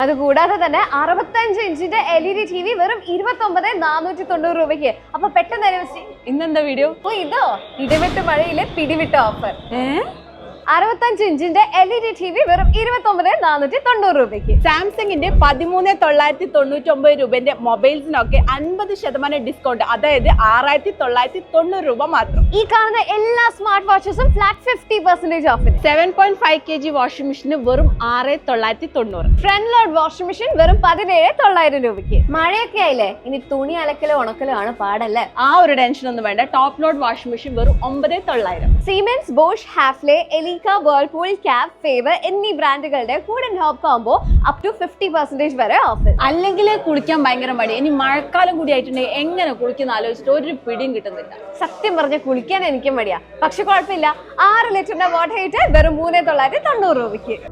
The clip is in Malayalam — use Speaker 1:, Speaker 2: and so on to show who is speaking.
Speaker 1: അതുകൂടാതെ തന്നെ 65 ഇഞ്ചിന്റെ LED TV വെറും 29,490 രൂപയ്ക്ക്. അപ്പൊ പെട്ടെന്ന്
Speaker 2: ഇന്നെന്താ വീഡിയോ?
Speaker 1: ഇതോ ഇടിവിട്ട് മഴയിലെ പിടിവിട്ട ഓഫർ. 65 ഇഞ്ചിന്റെ LED TV വെറും 29,490 രൂപയ്ക്ക്.
Speaker 2: സാംസങ്ങിന്റെ 13,999 രൂപന്റെ മൊബൈൽസിനൊക്കെ 50% ഡിസ്കൗണ്ട്, അതായത് 6,990 രൂപ മാത്രം.
Speaker 1: ഈ കാണുന്ന എല്ലാ സ്മാർട്ട് വാച്ചസും ഫ്ലാറ്റ് 50% ഓഫിന്.
Speaker 2: 7.5 kg വാഷിംഗ് മെഷീന് വെറും 6,990.
Speaker 1: ഫ്രണ്ട് ലോഡ് വാഷിംഗ് മെഷീൻ വെറും 17,900 രൂപയ്ക്ക്. മഴയൊക്കെ ആയില്ലേ, ഇനി തുണി അലക്കലോ ഉണക്കലോ ആണ് പാടല്ലേ.
Speaker 2: ആ ഒരു ടെൻഷൻ ഒന്നും വേണ്ട. ടോപ്പ് ലോഡ് വാഷിംഗ് മെഷീൻ വെറും 9,900.
Speaker 1: Siemens, Bosch, Hafele, Elica, Whirlpool, Kaff, Faber എന്നീ ബ്രാൻഡുകളുടെ കൂടെ ഹോപ്പ് കോംബോ അപ് ടു 50% വരെ ഓഫർ.
Speaker 2: അല്ലെങ്കിൽ കുളിക്കാൻ ഭയങ്കര മടി. ഇനി മഴക്കാലം കൂടി ആയിട്ടുണ്ടെങ്കിൽ എങ്ങനെ കുളിക്കുന്ന ആലോചിച്ചിട്ട് ഒരു പിടിയും കിട്ടുന്നില്ല.
Speaker 1: സത്യം പറഞ്ഞ കുളിക്കാൻ എനിക്കും മടിയാ. പക്ഷെ കുഴപ്പമില്ല, 6 ലിറ്ററിന്റെ വാട്ടർ ഹീറ്റർ വെറും 3,990 രൂപയ്ക്ക്.